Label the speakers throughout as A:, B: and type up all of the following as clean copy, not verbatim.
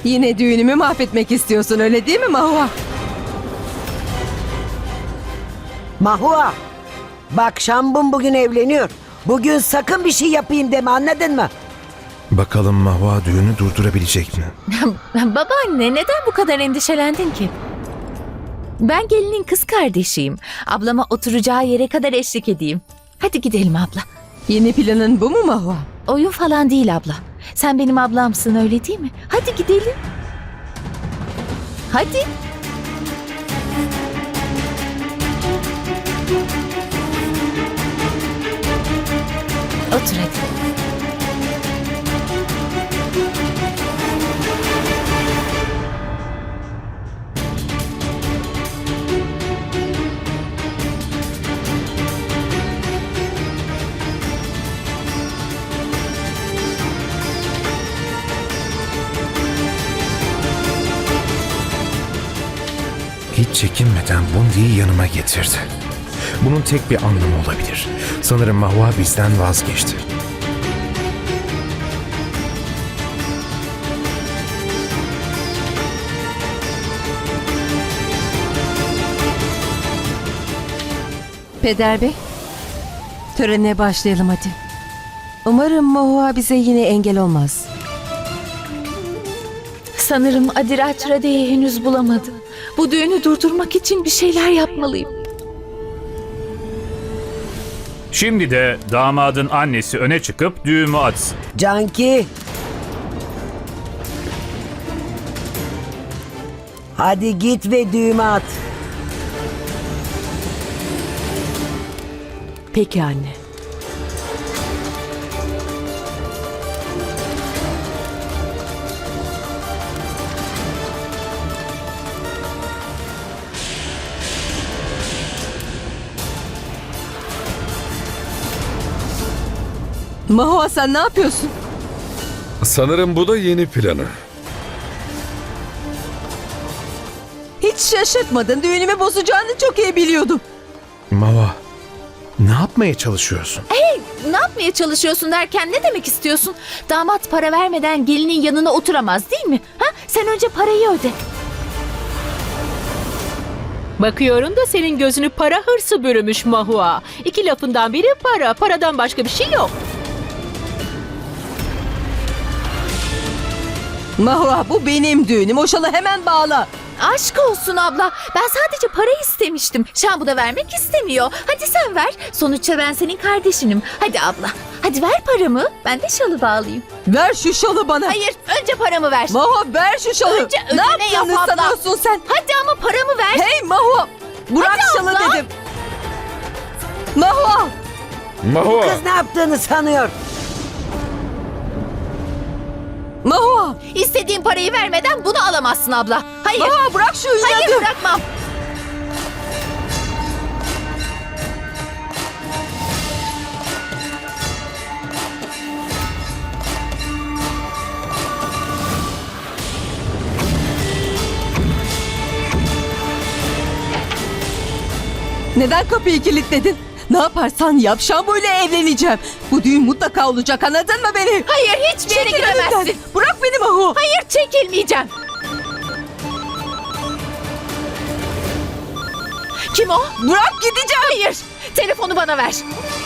A: Yine düğünümü mahvetmek istiyorsun, öyle değil mi Mahua?
B: Mahua, bak Şambun bugün evleniyor. Bugün sakın bir şey yapayım deme, anladın mı?
C: Bakalım Mahua düğünü durdurabilecek mi?
D: Babaanne, neden bu kadar endişelendin ki? Ben gelinin kız kardeşiyim. Ablama oturacağı yere kadar eşlik edeyim. Hadi gidelim abla.
A: Yeni planın bu mu Mahua?
D: Oyun falan değil abla. Sen benim ablamsın, öyle değil mi? Hadi gidelim. Hadi. Otur hadi.
C: Hiç çekinmeden Bundi'yi yanıma getirdi. Bunun tek bir anlamı olabilir. Sanırım Mahua bizden vazgeçti.
A: Peder Bey, törene başlayalım hadi. Umarım Mahua bize yine engel olmaz.
D: Sanırım Adiraç Rade'yi henüz bulamadı. Bu düğünü durdurmak için bir şeyler yapmalıyım.
E: Şimdi de damadın annesi öne çıkıp düğümü atsın.
B: Canki. Hadi git ve düğme at.
A: Peki anne. Mahua, sen ne yapıyorsun?
F: Sanırım bu da yeni planı.
A: Hiç şaşırtmadın. Düğünümü bozacağını çok iyi biliyordum.
C: Mahua, ne yapmaya çalışıyorsun?
D: Ne yapmaya çalışıyorsun derken ne demek istiyorsun? Damat para vermeden gelinin yanına oturamaz değil mi? Ha? Sen önce parayı öde.
G: Bakıyorum da senin gözünü para hırsı bürümüş Mahua. İki lafından biri para, paradan başka bir şey yok.
A: Mahua, bu benim düğünüm. O şalı hemen bağla.
D: Aşk olsun abla. Ben sadece para istemiştim. Şambu da vermek istemiyor. Hadi sen ver. Sonuçta ben senin kardeşinim. Hadi abla. Hadi ver paramı. Ben de şalı bağlayayım.
A: Ver şu şalı bana.
D: Hayır. Önce paramı ver.
A: Mahua, ver şu şalı.
D: Önce
A: ne
D: ödeme
A: yaptığını
D: yap abla.
A: sanıyorsun sen?
D: Hadi ama paramı ver.
A: Hey Mahua, bırak
D: Hadi
A: şalı
D: abla.
A: dedim. Mahua,
F: Mahua!
B: Kız ne yaptığını sanıyor.
A: Mahua.
D: İstediğin parayı vermeden bunu alamazsın abla. Hayır.
A: Mahua, bırak şu inadı.
D: Hayır, bırakmam.
A: Neden kapıyı kilitledin? Ne yaparsan yap, Şambu ile evleneceğim. Bu düğün mutlaka olacak, anladın mı beni?
D: Hayır, hiçbir yere
A: Çekil
D: gidemezsin.
A: önümden. Bırak beni Mahua.
D: Hayır, çekilmeyeceğim. Kim o?
A: Bırak, gideceğim.
D: Hayır. Telefonu bana ver.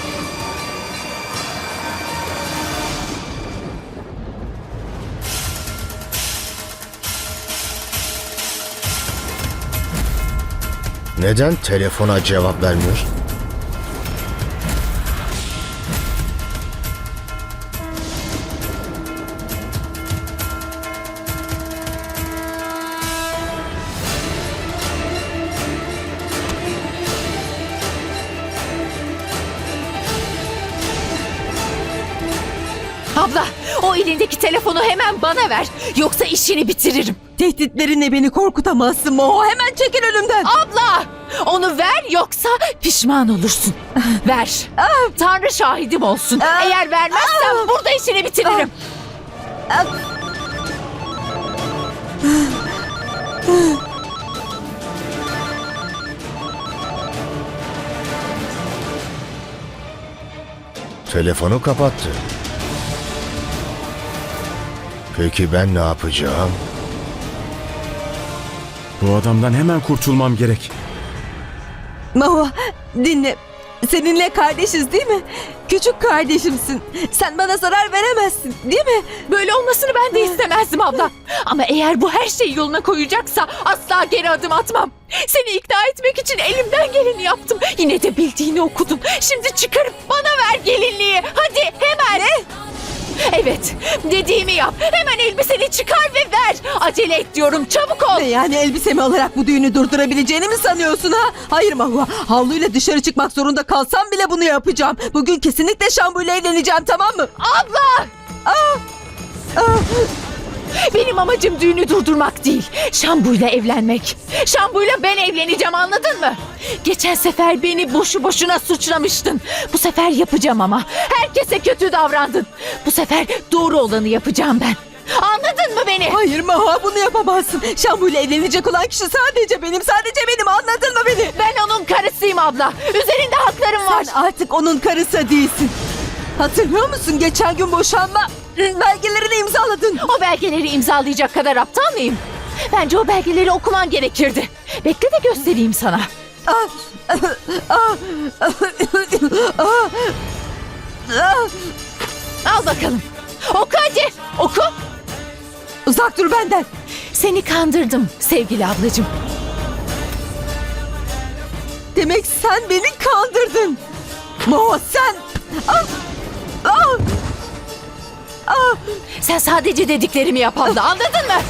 H: Neden telefona cevap vermiyor?
D: Abla, o elindeki telefonu hemen bana ver. Yoksa işini bitiririm.
A: Tehditlerinle beni korkutamazsın Mahua. Hemen çekil önümden.
D: Abla! Onu ver yoksa pişman olursun. Ver. Tanrı şahidim olsun. Eğer vermezsen burada işini bitiririm.
H: Telefonu kapattı. Peki ben ne yapacağım?
C: Bu adamdan hemen kurtulmam gerek.
A: Mahua dinle. Seninle kardeşiz değil mi? Küçük kardeşimsin. Sen bana zarar veremezsin değil mi?
D: Böyle olmasını ben de istemezdim abla. Ama eğer bu her şeyi yoluna koyacaksa asla geri adım atmam. Seni ikna etmek için elimden geleni yaptım. Yine de bildiğini okudun. Şimdi çıkarıp bana ver gelinliği. Hadi hemen. Ne? Evet, dediğimi yap. Hemen elbiseni çıkar ve ver. Acele et diyorum, çabuk ol.
A: Yani elbisemi alarak bu düğünü durdurabileceğini mi sanıyorsun ha? Hayır Mahua. Havluyla dışarı çıkmak zorunda kalsam bile bunu yapacağım. Bugün kesinlikle Şambu ile evleneceğim, tamam mı?
D: Abla! Benim amacım düğünü durdurmak değil. Şambu'yla evlenmek. Şambu'yla ben evleneceğim, anladın mı? Geçen sefer beni boşu boşuna suçlamıştın. Bu sefer yapacağım ama. Herkese kötü davrandın. Bu sefer doğru olanı yapacağım ben. Anladın mı beni?
A: Hayır Mahua, bunu yapamazsın. Şambu ile evlenecek olan kişi sadece benim, anladın mı beni?
D: Ben onun karısıyım abla. Üzerinde haklarım var.
A: Sen artık onun karısı değilsin. Hatırlıyor musun, geçen gün boşanma belgelerini imzaladın.
D: O belgeleri imzalayacak kadar aptal mıyım? Bence o belgeleri okuman gerekirdi. Bekle de göstereyim sana. Al bakalım. Oku hadi. Oku.
A: Uzak dur benden.
D: Seni kandırdım sevgili ablacığım.
A: Demek sen beni kandırdın. Mahua sen...
D: Sen sadece dediklerimi yap abla, anladın mı?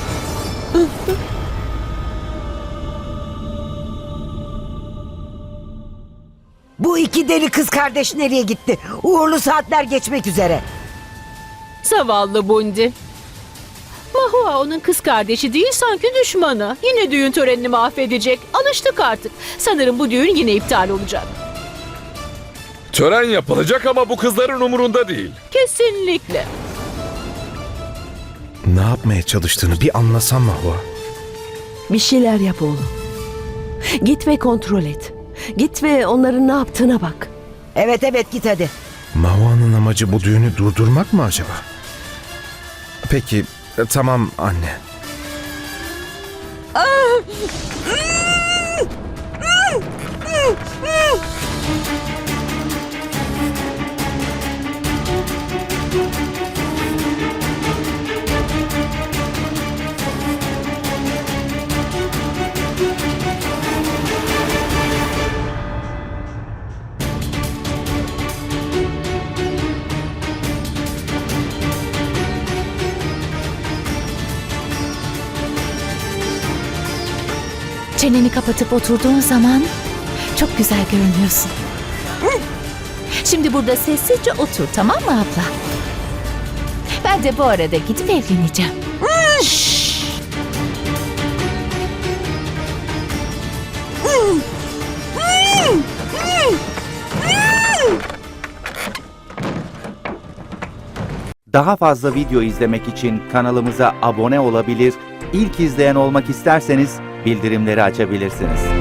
B: Bu iki deli kız kardeş nereye gitti? Uğurlu saatler geçmek üzere.
G: Zavallı Bundi. Mahua onun kız kardeşi değil, sanki düşmanı. Yine düğün törenini mahvedecek. Alıştık artık. Sanırım bu düğün yine iptal olacak.
F: Tören yapılacak ama bu kızların umurunda değil.
G: Kesinlikle.
C: Ne yapmaya çalıştığını bir anlasam Mahua.
I: Bir şeyler yap oğlum. Git ve kontrol et. Git ve onların ne yaptığına bak.
B: Evet git hadi.
C: Mahua'nın amacı bu düğünü durdurmak mı acaba? Peki, tamam anne.
D: Çeneni kapatıp oturduğun zaman çok güzel görünüyorsun. Şimdi burada sessizce otur, tamam mı abla? Ben de bu arada gidip evleneceğim. Şşş.
J: Daha fazla video izlemek için kanalımıza abone olabilir, ilk izleyen olmak isterseniz bildirimleri açabilirsiniz.